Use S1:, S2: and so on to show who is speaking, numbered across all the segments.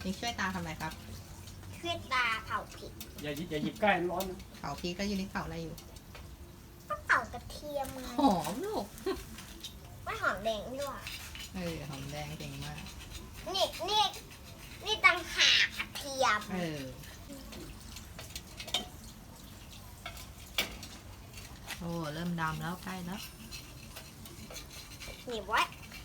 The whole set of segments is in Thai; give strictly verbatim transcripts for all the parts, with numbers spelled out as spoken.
S1: นิกช่วยตาทำอะไรครับ
S2: ช่วยตาเผาพริก
S3: อย่าหยิบอย่าหยิบใกล้มันร้อนนะ
S1: เผาพริกก็อยู่ในเผาอะไรอยู่
S2: ก็เผากระเทียมไง
S1: หอมลูก
S2: ไม่หอมแดงด้วย
S1: เออหอมแดงเก่งมาก
S2: นี่นี่นี่ตังหากกระเทียม
S1: เออ โอ้เริ่มดำแล้วใกล้แล้ว
S2: หนีบไว้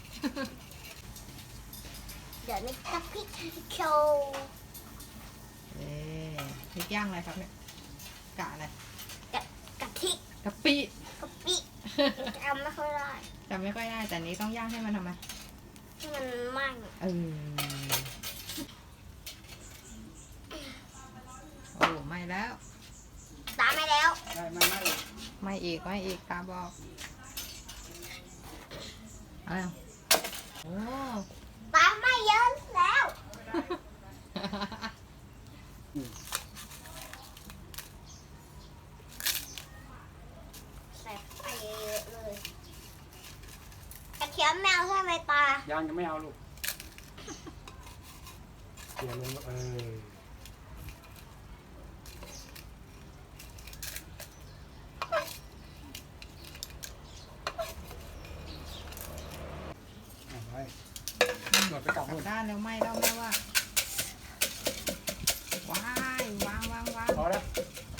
S2: เดี๋ยวนี่จะพริกโชว์
S1: เอ๊ะพริกย่างอะไรครับเนี่ยกะอะไร
S2: กะทิ
S1: กะปิ
S2: กะปิจำไม่ค่อยได้
S1: จำไม่ค่อยได้แต่นี้ต้องย่างให้มันทำไม
S2: ให้มันไหม้
S1: เออโอ้ไม่แล้ว
S2: ตามไปแล้ว
S3: ได้ไม่ไม่
S1: ไม่อีกไม่อีกตาบอกอะไรอ่ะโอ้
S2: ตามไม่เยอะแล้ว ใส่ไปเยอะๆเลยกระเทียมแมวใช่ไหมตา
S3: ยังยังไม่เอาลูกเขี่ยลงเออเอาไว้หมดไปกลับ
S1: กลั
S3: นู่
S1: บ
S3: น
S1: ด้านแล้วไหม่แล้วแม่ว่าว้ายวางวางวาง
S3: พอแล้ว
S1: พ